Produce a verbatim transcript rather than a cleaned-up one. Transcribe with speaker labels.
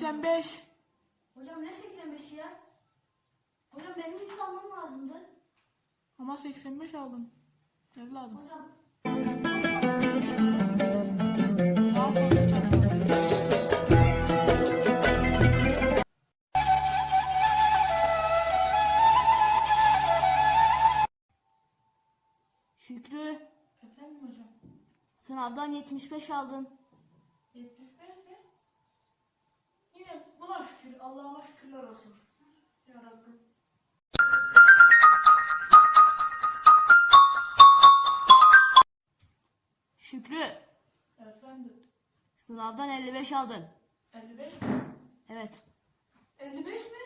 Speaker 1: seksen beş.
Speaker 2: Hocam ne seksen beş ya? Hocam benim yüz almam lazımdı.
Speaker 1: Ama seksen beş aldın. Evladım.
Speaker 2: Hocam.
Speaker 1: Daha fazla çalışmalıyım.
Speaker 3: Şükrü,
Speaker 1: Efendim hocam.
Speaker 3: sınavdan yetmiş beş aldın.
Speaker 1: yetmiş beş mi? Yine buna şükür. Allah'ıma şükürler olsun. Yarabbim.
Speaker 3: Şükrü,
Speaker 1: Efendim.
Speaker 3: sınavdan elli beş aldın.
Speaker 1: elli beş mi?
Speaker 3: Evet.
Speaker 1: elli beş mi?